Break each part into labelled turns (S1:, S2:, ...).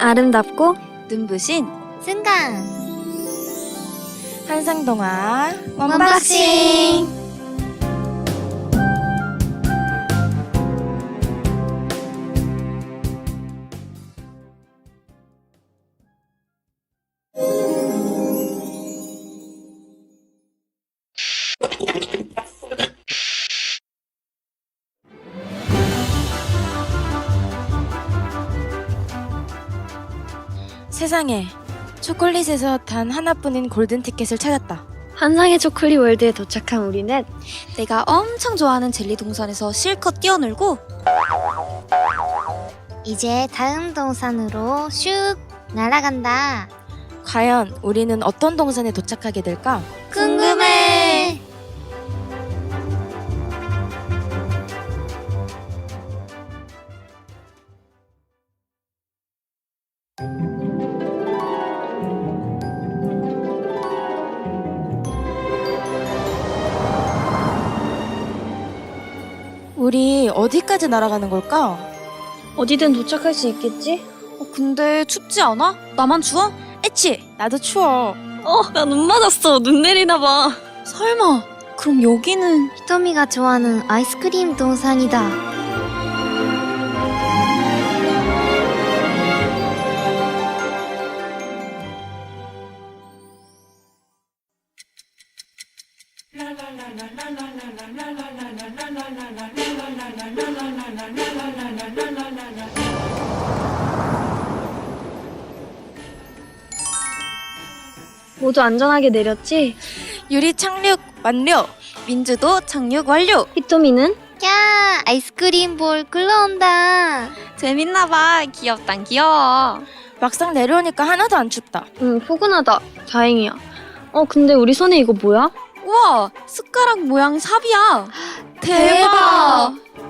S1: 아름답고
S2: 눈부신
S3: 승강
S2: 한상동화
S3: 원박싱.
S2: 세상에 초콜릿에서 단 하나뿐인 골든 티켓을 찾았다.
S1: 환상의 초콜릿 월드에 도착한 우리는
S2: 내가 엄청 좋아하는 젤리 동산에서 실컷 뛰어놀고
S3: 이제 다음 동산으로 슉 날아간다.
S2: 과연 우리는 어떤 동산에 도착하게 될까?
S3: 궁금해.
S2: 우리 어디까지 날아가는 걸까?
S1: 어디든 도착할 수 있겠지?
S2: 근데 춥지 않아? 나만 추워? 에치! 나도 추워.
S1: 나 눈 맞았어. 눈 내리나 봐.
S2: 설마 그럼 여기는
S3: 히토미가 좋아하는 아이스크림 동산이다.
S1: 모두 안전하게 내렸지?
S2: 유리 착륙 완료! 민주도 착륙 완료!
S1: 히토미는?
S3: 야, 아이스크림 볼 굴러온다.
S2: 재밌나봐. 귀엽단 귀여워. 막상 내려오니까 하나도 안 춥다.
S1: 포근하다. 다행이야. 근데 우리 손에 이거 뭐야?
S2: 우와! 숟가락 모양 삽이야.
S3: 대박!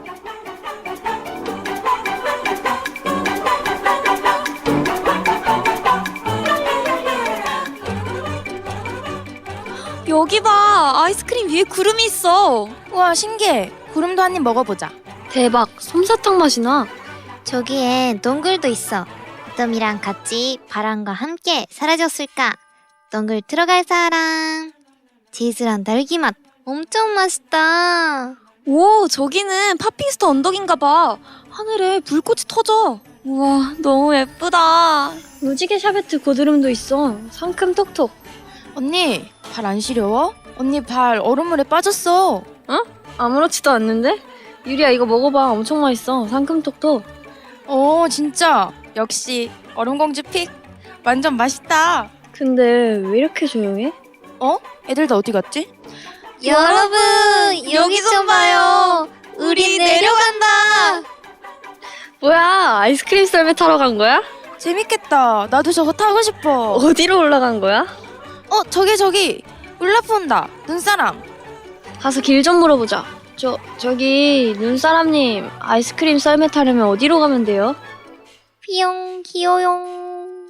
S2: 여기 봐. 아이스크림 위에 구름이 있어. 우와 신기해. 구름도 한 입 먹어보자.
S1: 대박. 솜사탕 맛이 나.
S3: 저기엔 동굴도 있어. 히토미랑 같이 바람과 함께 사라졌을까? 동굴 들어갈 사람. 치즈랑 딸기 맛 엄청 맛있다.
S2: 오 저기는 팝핑스터 언덕인가 봐. 하늘에 불꽃이 터져. 우와 너무 예쁘다.
S1: 무지개 샤베트 고드름도 있어. 상큼 톡톡.
S2: 언니 발 안 시려워? 언니 발 얼음물에 빠졌어.
S1: 아무렇지도 않는데? 유리야 이거 먹어봐. 엄청 맛있어. 상큼 톡톡.
S2: 진짜 역시 얼음공주 픽. 완전 맛있다.
S1: 근데 왜 이렇게 조용해?
S2: 애들 다 어디 갔지?
S3: 여러분, 여기 좀 봐요. 우리 내려간다.
S1: 뭐야? 아이스크림 썰매 타러 간 거야?
S2: 재밌겠다. 나도 저거 타고 싶어.
S1: 어디로 올라간 거야?
S2: 저기 울라프 온다. 눈사람.
S1: 가서 길 좀 물어보자. 저기 눈사람님 아이스크림 썰매 타려면 어디로 가면 돼요?
S3: 휘용 기요용.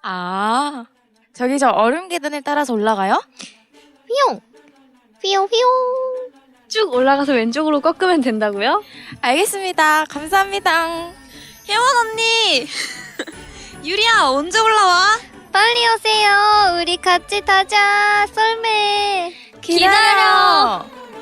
S2: 저기 저 얼음 계단을 따라서 올라가요?
S3: 휘용 휘용 휘용.
S1: 쭉 올라가서 왼쪽으로 꺾으면 된다고요?
S2: 알겠습니다. 감사합니다. 혜원 언니. 유리야 언제 올라와?
S3: 빨리 오세요. 우리 같이 타자. 썰매.
S2: 기다려.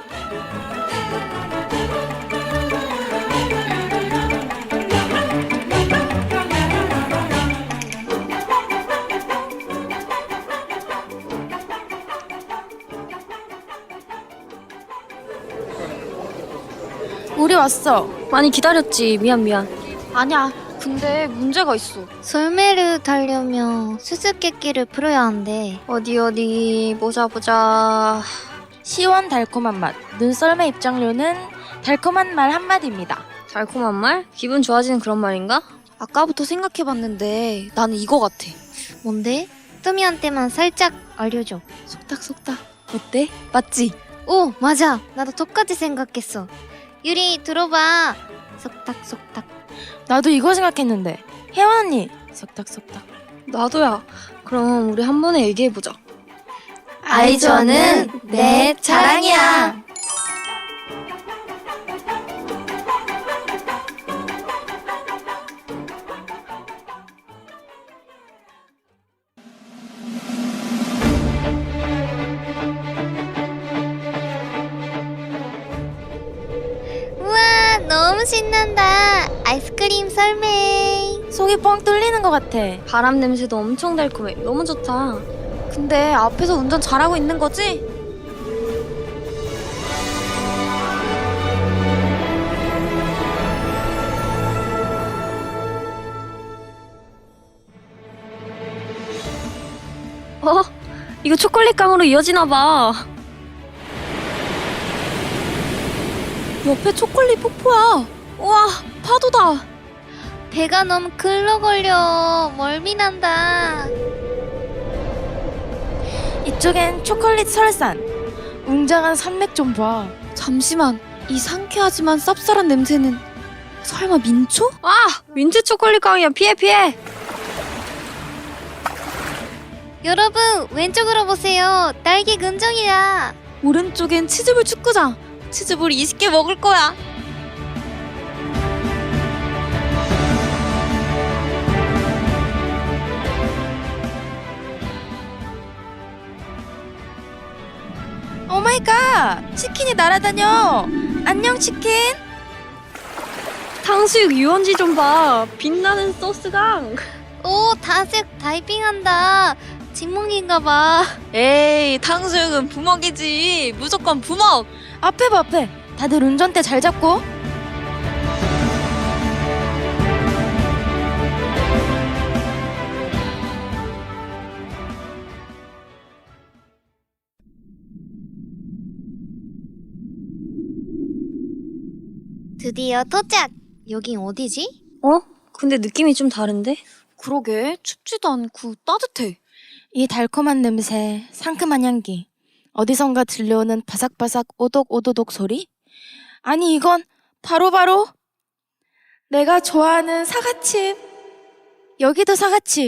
S2: 우리 왔어.
S1: 많이 기다렸지. 미안.
S2: 아니야. 근데 문제가 있어.
S3: 썰매를 타려면 수수께끼를 풀어야 한대.
S1: 어디 보자.
S2: 시원 달콤한 맛. 눈썰매 입장료는 달콤한 말 한마디입니다.
S1: 달콤한 말? 기분 좋아지는 그런 말인가?
S2: 아까부터 생각해봤는데 나는 이거 같아.
S3: 뭔데? 토미한테만 살짝 알려줘.
S2: 속닥속닥. 어때? 맞지?
S3: 오, 맞아. 나도 똑같이 생각했어. 유리, 들어봐. 속닥속닥.
S2: 나도 이거 생각했는데. 혜원 언니. 속닥속닥.
S1: 나도야. 그럼 우리 한 번에 얘기해보자.
S3: 아이즈원은 내 자랑이야. 너무 신난다. 아이스크림 썰매.
S2: 속이 뻥 뚫리는 것 같아.
S1: 바람 냄새도 엄청 달콤해. 너무 좋다.
S2: 근데 앞에서 운전 잘하고 있는 거지?
S1: 어? 이거 초콜릿 강으로 이어지나 봐.
S2: 옆에 초콜릿 폭포야. 우와, 파도다.
S3: 배가 너무 글러걸려. 멀미 난다.
S4: 이쪽엔 초콜릿 설산. 웅장한 산맥 좀 봐.
S2: 잠시만, 이 상쾌하지만 쌉쌀한 냄새는 설마 민초?
S1: 아! 민트 초콜릿 강이야. 피해 피해.
S3: 여러분, 왼쪽으로 보세요. 딸기 근정이야.
S2: 오른쪽엔 치즈볼 축구장. 치즈볼 20개 먹을 거야.
S4: 오마이갓! 치킨이 날아다녀! 안녕, 치킨!
S1: 탕수육 유원지 좀 봐. 빛나는 소스강.
S3: 오, 다색 다이빙한다. 진몽인가 봐.
S2: 에이, 탕수육은 부먹이지. 무조건 부먹.
S4: 앞에 봐, 앞에! 다들 운전대 잘 잡고!
S3: 드디어 도착. 여긴 어디지?
S1: 어? 근데 느낌이 좀 다른데?
S2: 그러게, 춥지도 않고 따뜻해.
S4: 이 달콤한 냄새, 상큼한 향기. 어디선가 들려오는 바삭바삭 오독오도독 소리? 아니, 이건 바로바로 내가 좋아하는 사과칩. 여기도 사과칩.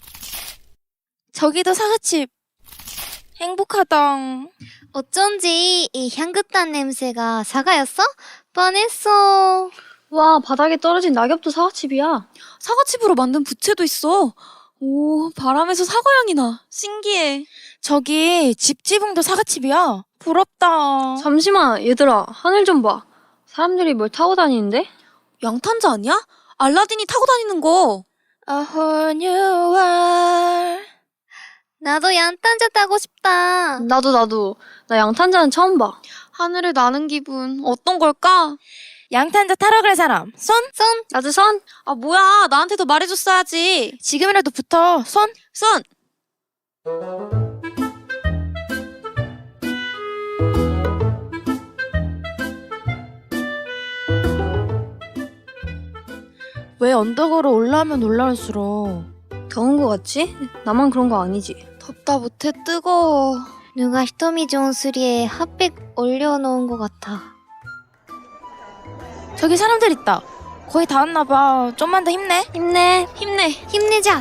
S4: 저기도 사과칩. 행복하다.
S3: 어쩐지 이 향긋한 냄새가 사과였어? 뻔했어.
S1: 와, 바닥에 떨어진 낙엽도 사과칩이야.
S2: 사과칩으로 만든 부채도 있어. 오, 바람에서 사과향이 나. 신기해.
S4: 저기 집지붕도 사과칩이야. 부럽다.
S1: 잠시만, 얘들아. 하늘 좀 봐. 사람들이 뭘 타고 다니는데?
S2: 양탄자 아니야? 알라딘이 타고 다니는 거.
S4: A whole new world.
S3: 나도 양탄자 타고 싶다.
S1: 나도. 나 양탄자는 처음 봐.
S2: 하늘을 나는 기분 어떤 걸까?
S4: 양탄자 타러 갈 사람 손?
S1: 나도 선.
S2: 아, 뭐야. 나한테도 말해줬어야지.
S4: 지금이라도 붙어. 손?
S2: 손!
S4: 왜 언덕으로 올라오면 올라올수록
S1: 더운 거 같지? 나만 그런 거 아니지?
S2: 덥다 못해 뜨거워.
S3: 누가 히토미 존3에 핫팩 올려놓은 것 같아.
S4: 저기 사람들 있다. 거의 다 왔나 봐. 좀만 더 힘내.
S1: 힘내.
S3: 힘내자.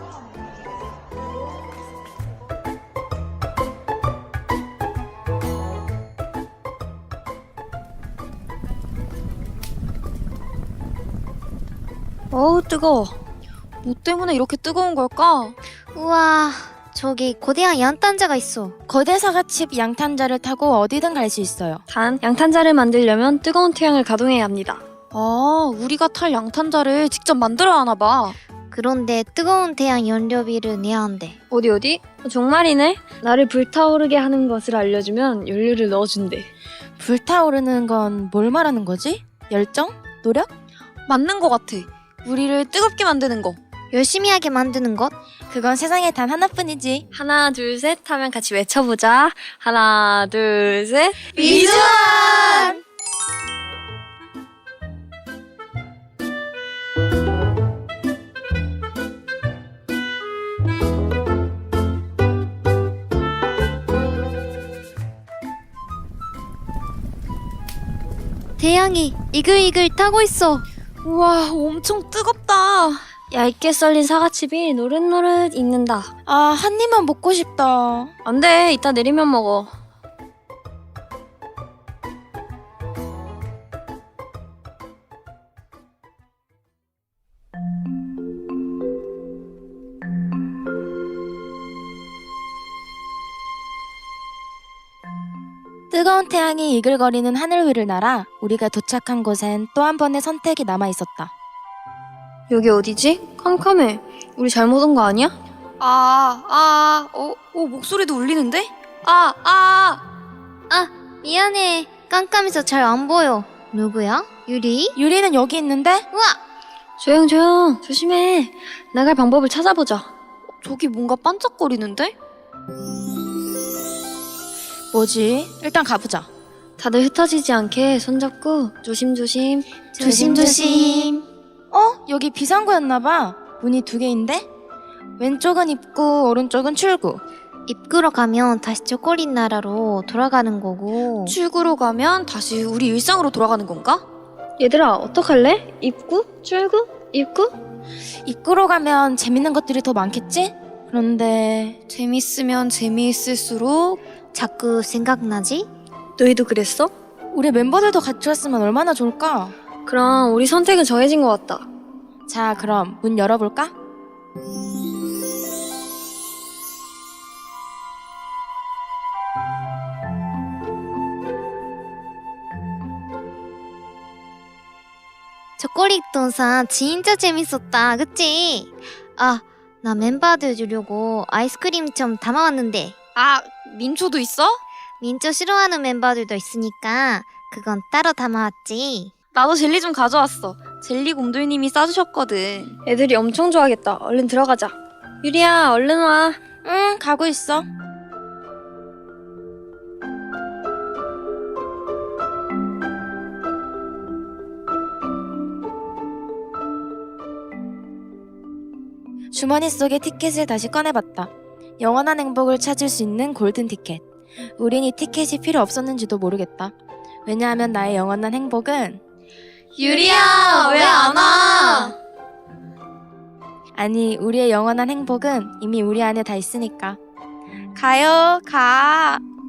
S1: 어우, 뜨거워.
S2: 뭐 때문에 이렇게 뜨거운 걸까?
S3: 우와, 저기 거대한 양탄자가 있어.
S4: 거대 사과칩 양탄자를 타고 어디든 갈 수 있어요.
S1: 단, 양탄자를 만들려면 뜨거운 태양을 가동해야 합니다.
S2: 아, 우리가 탈 양탄자를 직접 만들어야 하나 봐.
S3: 그런데 뜨거운 태양 연료비를 내야 한대.
S1: 어디? 정말이네? 나를 불타오르게 하는 것을 알려주면 연료를 넣어준대.
S4: 불타오르는 건 뭘 말하는 거지? 열정? 노력?
S2: 맞는 거 같아. 우리를 뜨겁게 만드는 거.
S3: 열심히 하게 만드는 것?
S4: 그건 세상에 단 하나뿐이지.
S1: 하나, 둘, 셋 하면 같이 외쳐보자. 하나, 둘, 셋.
S4: 위즈원!
S3: 태양이 이글이글 타고 있어.
S2: 우와, 엄청 뜨겁다.
S1: 얇게 썰린 사과칩이 노릇노릇 익는다.
S4: 아, 한 입만 먹고 싶다.
S1: 안 돼, 이따 내리면 먹어.
S4: 뜨거운 태양이 이글거리는 하늘 위를 날아 우리가 도착한 곳엔 또 한 번의 선택이 남아 있었다.
S1: 여기 어디지? 캄캄해. 우리 잘못 온 거 아니야?
S2: 목소리도 울리는데?
S3: 미안해. 깜깜해서 잘 안 보여. 누구야? 유리?
S4: 유리는 여기 있는데?
S3: 우와!
S1: 조용 조용. 조심해. 나갈 방법을 찾아보자.
S2: 저기 뭔가 반짝거리는데?
S4: 뭐지? 일단 가보자.
S1: 다들 흩어지지 않게 손잡고 조심조심.
S3: 조심조심.
S4: 여기 비상구였나봐. 문이 2개인데? 왼쪽은 입구, 오른쪽은 출구.
S3: 입구로 가면 다시 초콜릿 나라로 돌아가는 거고.
S2: 출구로 가면 다시 우리 일상으로 돌아가는 건가?
S1: 얘들아, 어떡할래? 입구? 출구? 입구?
S4: 입구로 가면 재밌는 것들이 더 많겠지? 그런데
S2: 재밌으면 재미있을수록
S3: 자꾸 생각나지?
S1: 너희도 그랬어?
S4: 우리 멤버들도 같이 왔으면 얼마나 좋을까?
S1: 그럼 우리 선택은 정해진 것 같다.
S4: 자, 그럼 문 열어볼까?
S3: 초콜릿 동산 진짜 재밌었다. 그치? 아, 나 멤버들 주려고 아이스크림 좀 담아왔는데
S2: 민초도 있어?
S3: 민초 싫어하는 멤버들도 있으니까 그건 따로 담아왔지.
S2: 나도 젤리 좀 가져왔어. 젤리 곰돌님이 싸주셨거든.
S1: 애들이 엄청 좋아하겠다. 얼른 들어가자. 유리야, 얼른 와.
S4: 응, 가고 있어. 주머니 속의 티켓을 다시 꺼내봤다. 영원한 행복을 찾을 수 있는 골든 티켓. 우린 이 티켓이 필요 없었는지도 모르겠다. 왜냐하면 나의 영원한 행복은
S2: 유리야, 왜 안 와?
S4: 아니, 우리의 영원한 행복은 이미 우리 안에 다 있으니까. 가요, 가.